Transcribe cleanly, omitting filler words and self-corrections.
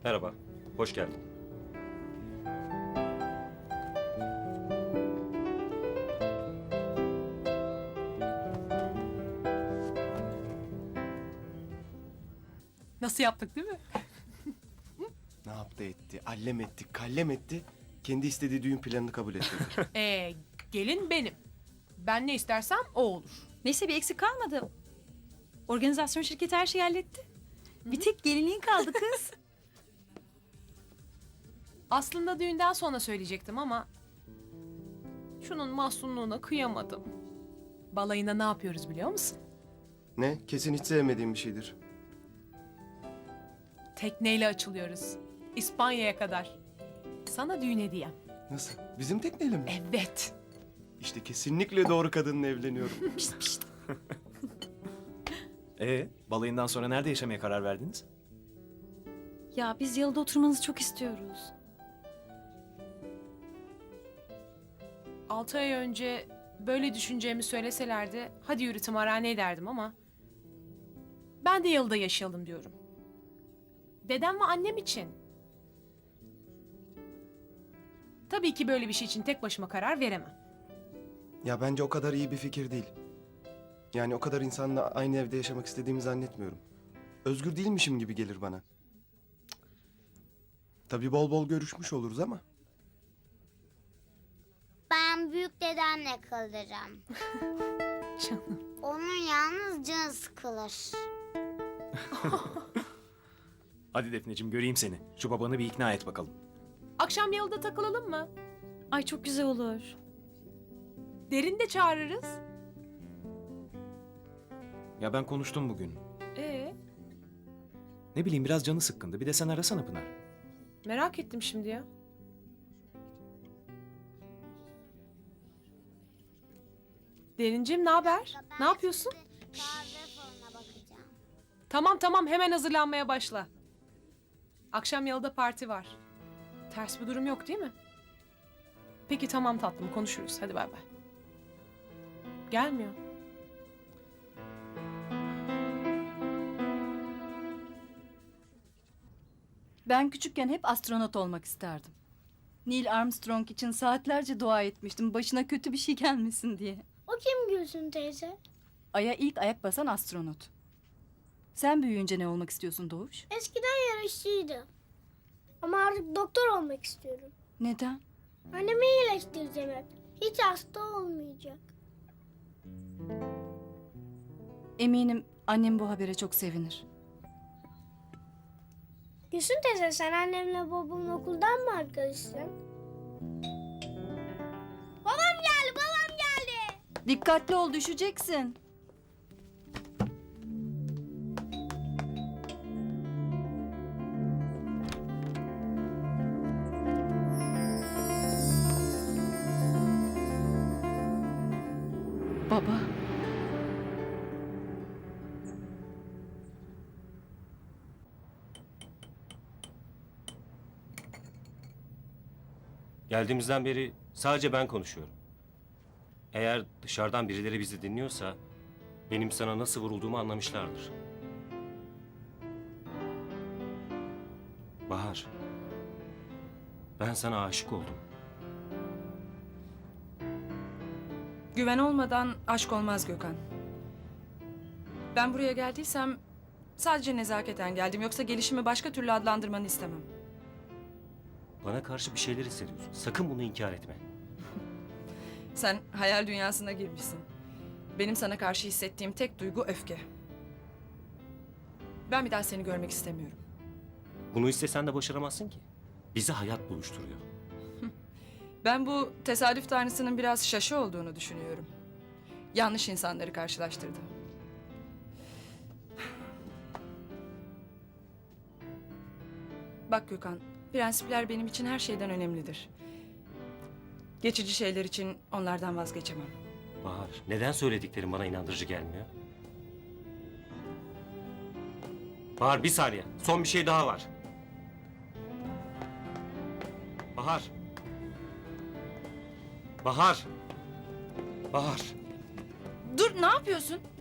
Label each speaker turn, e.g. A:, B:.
A: Merhaba, hoş geldin.
B: Nasıl yaptık değil mi?
C: Ne yaptı etti, allem etti, kallem etti. Kendi istediği düğün planını kabul etti.
B: Gelin benim. Ben ne istersem o olur.
D: Neyse bir eksik kalmadı. Organizasyon şirketi her şeyi halletti. Bir tek gelinliğin kaldı kız.
B: Aslında düğünden sonra söyleyecektim ama... ...şunun mahzunluğuna kıyamadım. Balayına ne yapıyoruz biliyor musun?
C: Ne? Kesin hiç sevmediğim bir şeydir.
B: Tekneyle açılıyoruz. İspanya'ya kadar. Sana düğün hediyem.
C: Nasıl? Bizim tekneyle mi?
B: Evet.
C: İşte kesinlikle doğru kadınla evleniyorum.
E: Balayından sonra nerede yaşamaya karar verdiniz?
D: Ya biz yalıda oturmanızı çok istiyoruz.
B: 6 ay önce böyle düşüneceğimi söyleselerdi... ...hadi yürü tımarhaneye derdim ama... ...ben de yalıda yaşayalım diyorum. Dedem ve annem için. Tabii ki böyle bir şey için tek başıma karar veremem.
C: Ya bence o kadar iyi bir fikir değil. Yani o kadar insanla aynı evde yaşamak istediğimi zannetmiyorum. Özgür değilmişim gibi gelir bana. Cık. Tabii bol bol görüşmüş oluruz ama.
F: Ben büyük dedemle kalırım.
B: Canım.
F: Onun yalnız canı sıkılır.
E: Hadi Defneciğim göreyim seni. Şu babanı bir ikna et bakalım.
B: Akşam yalıda takılalım mı?
D: Ay çok güzel olur.
B: Derin de çağırırız.
E: Ya ben konuştum bugün.
B: Ne
E: bileyim biraz canı sıkkındı. Bir de sen arasana Pınar.
B: Merak ettim şimdi ya. Derincim ne haber? Ne yapıyorsun?
F: Kahve falına bakacağım.
B: Tamam hemen hazırlanmaya başla. Akşam yalıda parti var. Ters bir durum yok değil mi? Peki tamam tatlım konuşuruz. Hadi bay bay. Gelmiyor.
G: Ben küçükken hep astronot olmak isterdim. Neil Armstrong için saatlerce dua etmiştim başına kötü bir şey gelmesin diye.
F: O kim Gülsün teyze?
G: Ay'a ilk ayak basan astronot. Sen büyüyünce ne olmak istiyorsun Doğuş?
F: Eskiden yarışçıydı. Ama artık doktor olmak istiyorum.
G: Neden?
F: Annemi iyileştireceğim hep. Hiç hasta olmayacak.
G: Eminim annem bu habere çok sevinir.
F: Gülsün teyze sen annemle babamın okuldan mı arkadaşsın? Babam geldi.
G: Dikkatli ol düşeceksin. Baba.
A: Geldiğimizden beri sadece ben konuşuyorum. Eğer dışarıdan birileri bizi dinliyorsa... ...benim sana nasıl vurulduğumu anlamışlardır. Bahar, ben sana aşık oldum.
H: Güven olmadan aşk olmaz Gökhan. Ben buraya geldiysem sadece nezaketen geldim. Yoksa gelişimi başka türlü adlandırmanı istemem.
A: Bana karşı bir şeyler hissediyorsun. Sakın bunu inkar etme.
H: Sen hayal dünyasına girmişsin. Benim sana karşı hissettiğim tek duygu öfke. Ben bir daha seni görmek istemiyorum.
A: Bunu istesen de başaramazsın ki. Bizi hayat buluşturuyor.
H: Ben bu tesadüf tanrısının biraz şaşı olduğunu düşünüyorum. Yanlış insanları karşılaştırdı. Bak Gökhan, prensipler benim için her şeyden önemlidir. Geçici şeyler için onlardan vazgeçemem.
A: Bahar, neden söylediklerim bana inandırıcı gelmiyor? Bahar bir saniye. Son bir şey daha var. Bahar. Bahar. Bahar.
H: Dur, ne yapıyorsun?